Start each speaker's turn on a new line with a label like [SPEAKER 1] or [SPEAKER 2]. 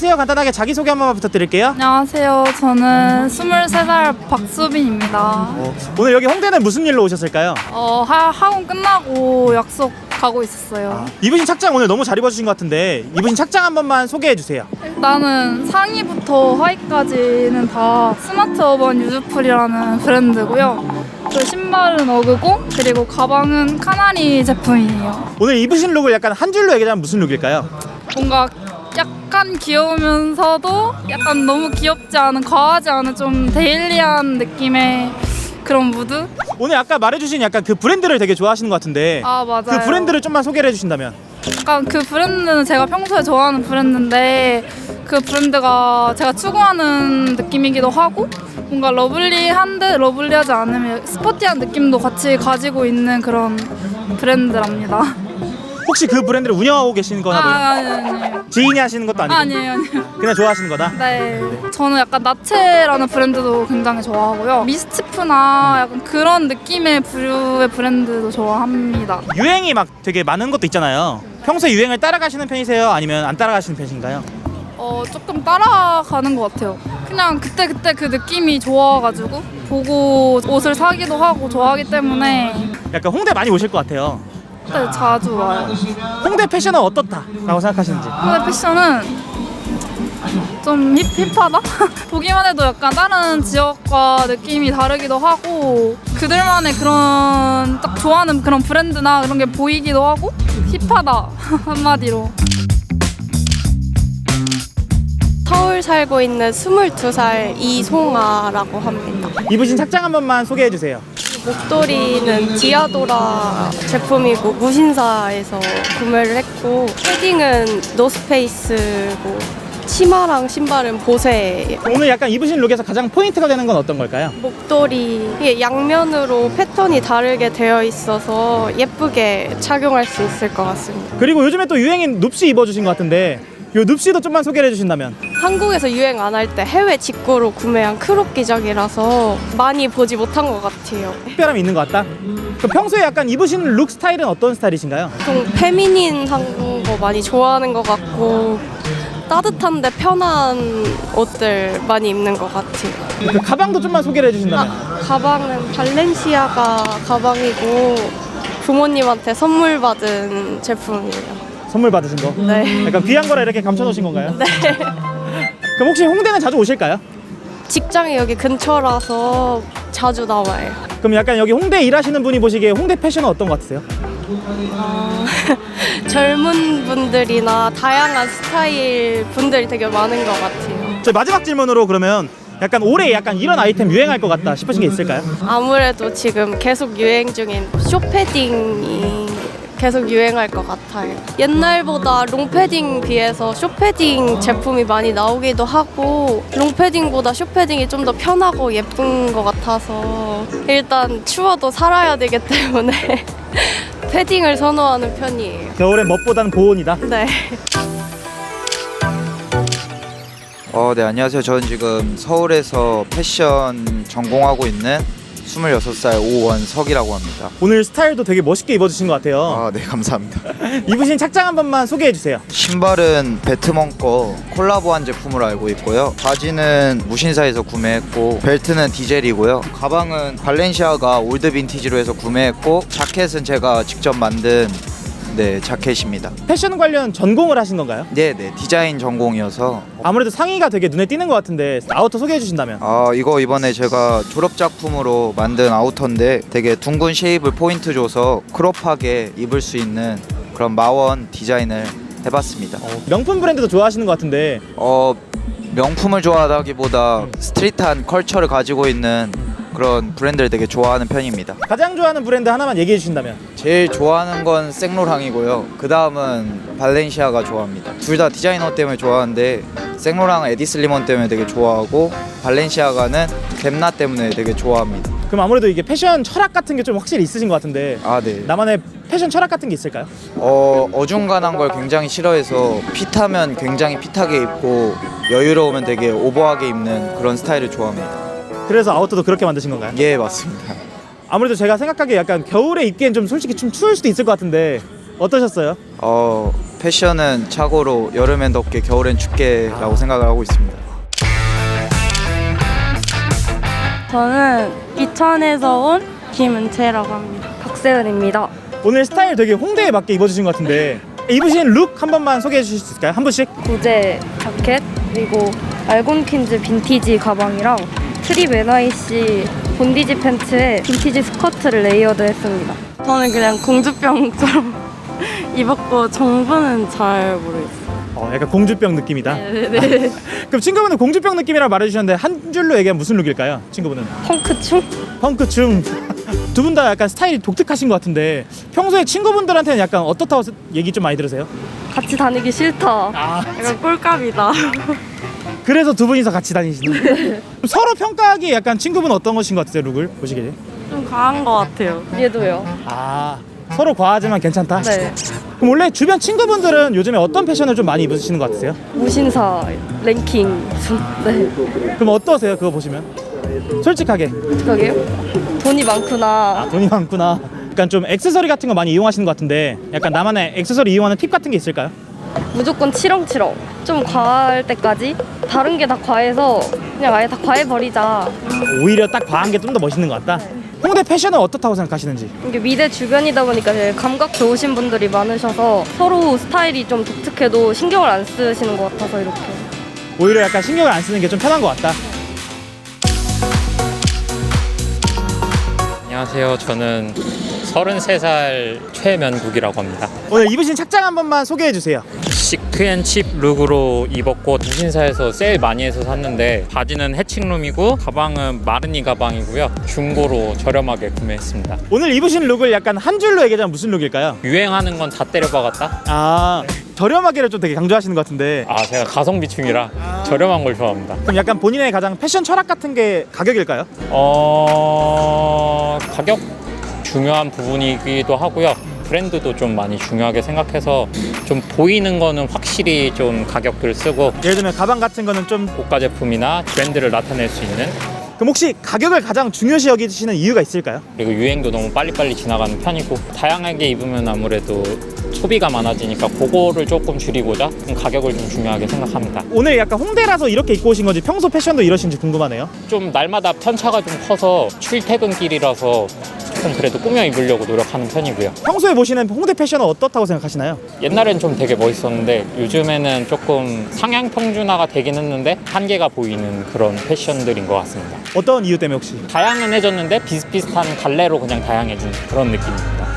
[SPEAKER 1] 안녕하세요. 간단하게 자기소개 한 번만 부탁드릴게요.
[SPEAKER 2] 안녕하세요. 저는 23살 박수빈입니다.
[SPEAKER 1] 오늘 여기 홍대는 무슨 일로 오셨을까요?
[SPEAKER 2] 학원 끝나고 약속 가고 있었어요.
[SPEAKER 1] 입으신 착장 오늘 너무 잘 입어주신 것 같은데 입으신 착장 한 번만 소개해주세요.
[SPEAKER 2] 일단은 상의부터 하의까지는 다 스마트 어반 유즈풀이라는 브랜드고요. 그 신발은 어그고 그리고 가방은 카나리 제품이에요.
[SPEAKER 1] 오늘 입으신 룩을 약간 한 줄로 얘기하자면 무슨 룩일까요?
[SPEAKER 2] 뭔가 약간 귀여우면서도 약간 너무 귀엽지 않은, 과하지 않은 좀 데일리한 느낌의 그런 무드?
[SPEAKER 1] 오늘 아까 말해주신 약간 그 브랜드를 되게 좋아하시는 것 같은데
[SPEAKER 2] 아, 맞아요.
[SPEAKER 1] 그 브랜드를 좀만 소개를 해주신다면.
[SPEAKER 2] 약간 그 브랜드는 제가 평소에 좋아하는 브랜드인데 그 브랜드가 제가 추구하는 느낌이기도 하고 뭔가 러블리한데 러블리하지 않으면 스포티한 느낌도 같이 가지고 있는 그런 브랜드랍니다.
[SPEAKER 1] 혹시 그 브랜드를 운영하고 계시는 거나 뭐
[SPEAKER 2] 아니에요.
[SPEAKER 1] 지인이 하시는 것도 아니고
[SPEAKER 2] 아니에요.
[SPEAKER 1] 그냥 좋아하시는 거다?
[SPEAKER 2] 네. 저는 약간 나체라는 브랜드도 굉장히 좋아하고요. 미스치프나 약간 그런 느낌의 부류의 브랜드도 좋아합니다.
[SPEAKER 1] 유행이 막 되게 많은 것도 있잖아요. 평소에 유행을 따라가시는 편이세요? 아니면 안 따라가시는 편이신가요?
[SPEAKER 2] 조금 따라가는 것 같아요. 그냥 그때 그 느낌이 좋아가지고 보고 옷을 사기도 하고 좋아하기 때문에
[SPEAKER 1] 약간 홍대 많이 오실 것 같아요.
[SPEAKER 2] 그때 자주 와요.
[SPEAKER 1] 홍대 패션은 어떻다라고 생각하시는지.
[SPEAKER 2] 근데 패션은 좀 힙하다? 보기만 해도 약간 다른 지역과 느낌이 다르기도 하고 그들만의 그런 딱 좋아하는 그런 브랜드나 그런 게 보이기도 하고 힙하다 한마디로.
[SPEAKER 3] 서울 살고 있는 22살 이송아라고 합니다.
[SPEAKER 1] 입으신 착장 한 번만 소개해 주세요.
[SPEAKER 3] 목도리는 디아도라 제품이고 무신사에서 구매를 했고 패딩은 노스페이스고 치마랑 신발은 보세예요.
[SPEAKER 1] 오늘 약간 입으신 룩에서 가장 포인트가 되는 건 어떤 걸까요?
[SPEAKER 3] 목도리 이게 양면으로 패턴이 다르게 되어 있어서 예쁘게 착용할 수 있을 것 같습니다.
[SPEAKER 1] 그리고 요즘에 또 유행인 눕시 입어주신 것 같은데 요 눕시도 좀만 소개를 해주신다면.
[SPEAKER 3] 한국에서 유행 안 할 때 해외 직구로 구매한 크롭 기장이라서 많이 보지 못한 것 같아요.
[SPEAKER 1] 특별함이 있는 것 같다? 그럼 평소에 약간 입으시는 룩 스타일은 어떤 스타일이신가요?
[SPEAKER 3] 좀 페미닌한 거 많이 좋아하는 것 같고 따뜻한데 편한 옷들 많이 입는 것 같아요.
[SPEAKER 1] 그 가방도 좀만 소개를 해주신다면.
[SPEAKER 3] 가방은 발렌시아가 가방이고 부모님한테 선물 받은 제품이에요.
[SPEAKER 1] 선물 받으신 거?
[SPEAKER 3] 네.
[SPEAKER 1] 약간 귀한 거라 이렇게 감춰놓으신 건가요?
[SPEAKER 3] 네.
[SPEAKER 1] 그럼 혹시 홍대는 자주 오실까요?
[SPEAKER 3] 직장이 여기 근처라서 자주 나와요.
[SPEAKER 1] 그럼 약간 여기 홍대 일하시는 분이 보시기에 홍대 패션은 어떤 것 같으세요?
[SPEAKER 3] 젊은 분들이나 다양한 스타일 분들이 되게 많은 것 같아요.
[SPEAKER 1] 저희 마지막 질문으로 그러면 약간 올해 약간 이런 아이템 유행할 것 같다 싶으신 게 있을까요?
[SPEAKER 3] 아무래도 지금 계속 유행 중인 숏패딩이 계속 유행할 것 같아요. 옛날보다 롱패딩 비해서 숏패딩 제품이 많이 나오기도 하고 롱패딩보다 숏패딩이 좀 더 편하고 예쁜 것 같아서 일단 추워도 살아야 되기 때문에 패딩을 선호하는 편이에요.
[SPEAKER 1] 겨울엔 멋보다는 고온이다.
[SPEAKER 3] 네.
[SPEAKER 4] 네, 안녕하세요. 저는 지금 서울에서 패션 전공하고 있는 26살 오원석이라고 합니다.
[SPEAKER 1] 오늘 스타일도 되게 멋있게 입어주신 것 같아요.
[SPEAKER 4] 네, 감사합니다.
[SPEAKER 1] 입으신 착장 한 번만 소개해 주세요.
[SPEAKER 4] 신발은 배트먼 거 콜라보한 제품으로 알고 있고요. 바지는 무신사에서 구매했고 벨트는 디젤이고요. 가방은 발렌시아가 올드 빈티지로 해서 구매했고 자켓은 제가 직접 만든 자켓입니다.
[SPEAKER 1] 패션 관련 전공을 하신 건가요?
[SPEAKER 4] 네, 디자인 전공이어서
[SPEAKER 1] 아무래도 상의가 되게 눈에 띄는 것 같은데 아우터 소개해 주신다면.
[SPEAKER 4] 이거 이번에 제가 졸업 작품으로 만든 아우터인데 되게 둥근 쉐입을 포인트 줘서 크롭하게 입을 수 있는 그런 마원 디자인을 해봤습니다.
[SPEAKER 1] 명품 브랜드도 좋아하시는 것 같은데.
[SPEAKER 4] 명품을 좋아하다기보다 스트릿한 컬처를 가지고 있는 그런 브랜드를 되게 좋아하는 편입니다.
[SPEAKER 1] 가장 좋아하는 브랜드 하나만 얘기해 주신다면.
[SPEAKER 4] 제일 좋아하는 건 생로랑이고요. 그 다음은 발렌시아가 좋아합니다. 둘 다 디자이너 때문에 좋아하는데 생로랑은 에디 슬리먼 때문에 되게 좋아하고 발렌시아가는 겜나 때문에 되게 좋아합니다.
[SPEAKER 1] 그럼 아무래도 이게 패션 철학 같은 게 좀 확실히 있으신 것 같은데.
[SPEAKER 4] 네.
[SPEAKER 1] 나만의 패션 철학 같은 게 있을까요?
[SPEAKER 4] 어중간한 걸 굉장히 싫어해서 핏하면 굉장히 핏하게 입고 여유로우면 되게 오버하게 입는 그런 스타일을 좋아합니다.
[SPEAKER 1] 그래서 아우터도 그렇게 만드신 건가요?
[SPEAKER 4] 예, 맞습니다.
[SPEAKER 1] 아무래도 제가 생각하기에 약간 겨울에 입기엔 좀 솔직히 좀 추울 수도 있을 것 같은데 어떠셨어요?
[SPEAKER 4] 패션은 착오로 여름엔 덥게 겨울엔 춥게라고 생각을 하고 있습니다.
[SPEAKER 3] 저는 이천에서 온 김은채라고 합니다. 박세은입니다.
[SPEAKER 1] 오늘 스타일 되게 홍대에 맞게 입어주신 것 같은데 입으신 룩 한 번만 소개해 주실 수 있을까요? 한 분씩?
[SPEAKER 5] 구제 자켓 그리고 알곤킨즈 빈티지 가방이랑 트립 NYC 본디지 팬츠에 빈티지 스커트를 레이어드 했습니다.
[SPEAKER 3] 저는 그냥 공주병처럼 입었고 정부는 잘 모르겠어요.
[SPEAKER 1] 약간 공주병 느낌이다.
[SPEAKER 3] 네네.
[SPEAKER 1] 그럼 친구분은 공주병 느낌이라고 말해주셨는데 한 줄로 얘기하면 무슨 룩일까요? 친구분은?
[SPEAKER 5] 펑크충?
[SPEAKER 1] 펑크충. 두 분 다 약간 스타일이 독특하신 것 같은데 평소에 친구분들한테는 약간 어떻다고 얘기 좀 많이 들으세요?
[SPEAKER 5] 같이 다니기 싫다.
[SPEAKER 3] 약간 꼴값이다.
[SPEAKER 1] 그래서 두 분이서 같이 다니시는 그럼 서로 평가하기에 약간 친구분 어떤 것인 것 같으세요? 룩을 보시기에?
[SPEAKER 3] 좀 과한 것 같아요.
[SPEAKER 5] 얘도요.
[SPEAKER 1] 서로 과하지만 괜찮다?
[SPEAKER 5] 네.
[SPEAKER 1] 그럼 원래 주변 친구분들은 요즘에 어떤 패션을 좀 많이 입으시는 것 같으세요?
[SPEAKER 5] 무신사 랭킹. 네.
[SPEAKER 1] 그럼 어떠세요? 그거 보시면? 솔직하게.
[SPEAKER 5] 그러게요. 돈이 많구나.
[SPEAKER 1] 돈이 많구나. 약간 좀 액세서리 같은 거 많이 이용하시는 것 같은데 약간 나만의 액세서리 이용하는 팁 같은 게 있을까요?
[SPEAKER 5] 무조건 치렁치렁. 좀 과할 때까지. 다른 게 다 과해서 그냥 아예 다 과해버리자.
[SPEAKER 1] 오히려 딱 과한 게 좀 더 멋있는 것 같다? 홍대 패션은 어떻다고 생각하시는지?
[SPEAKER 5] 이게 미대 주변이다 보니까 되게 감각 좋으신 분들이 많으셔서 서로 스타일이 좀 독특해도 신경을 안 쓰시는 것 같아서 이렇게.
[SPEAKER 1] 오히려 약간 신경을 안 쓰는 게 좀 편한 것 같다.
[SPEAKER 6] 안녕하세요. 저는 33살 최면국이라고 합니다.
[SPEAKER 1] 오늘 입으신 착장 한 번만 소개해 주세요.
[SPEAKER 6] 시크앤칩 룩으로 입었고 무신사에서 세일 많이 해서 샀는데 바지는 해칭룸이고 가방은 마르니 가방이고요. 중고로 저렴하게 구매했습니다.
[SPEAKER 1] 오늘 입으신 룩을 약간 한 줄로 얘기하자면 무슨 룩일까요?
[SPEAKER 6] 유행하는 건 다 때려박았다?
[SPEAKER 1] 저렴하게를 좀 되게 강조하시는 것 같은데
[SPEAKER 6] 제가 가성비충이라 저렴한 걸 좋아합니다.
[SPEAKER 1] 그럼 약간 본인의 가장 패션 철학 같은 게 가격일까요?
[SPEAKER 6] 가격 중요한 부분이기도 하고요. 브랜드도 좀 많이 중요하게 생각해서 좀 보이는 거는 확실히 좀 가격을 쓰고
[SPEAKER 1] 예를 들면 가방 같은 거는 좀
[SPEAKER 6] 고가 제품이나 브랜드를 나타낼 수 있는,
[SPEAKER 1] 그럼 혹시 가격을 가장 중요시 여기시는 이유가 있을까요?
[SPEAKER 6] 그리고 유행도 너무 빨리빨리 지나가는 편이고 다양하게 입으면 아무래도 소비가 많아지니까 그거를 조금 줄이고자 좀 가격을 좀 중요하게 생각합니다.
[SPEAKER 1] 오늘 약간 홍대라서 이렇게 입고 오신 건지 평소 패션도 이러신지 궁금하네요.
[SPEAKER 6] 좀 날마다 편차가 좀 커서 출퇴근길이라서 조금 그래도 꾸며 입으려고 노력하는 편이고요.
[SPEAKER 1] 평소에 보시는 홍대 패션은 어떻다고 생각하시나요?
[SPEAKER 6] 옛날엔 좀 되게 멋있었는데 요즘에는 조금 상향 평준화가 되긴 했는데 한계가 보이는 그런 패션들인 것 같습니다.
[SPEAKER 1] 어떤 이유 때문에 혹시?
[SPEAKER 6] 다양해졌는데 비슷비슷한 갈래로 그냥 다양해진 그런 느낌입니다.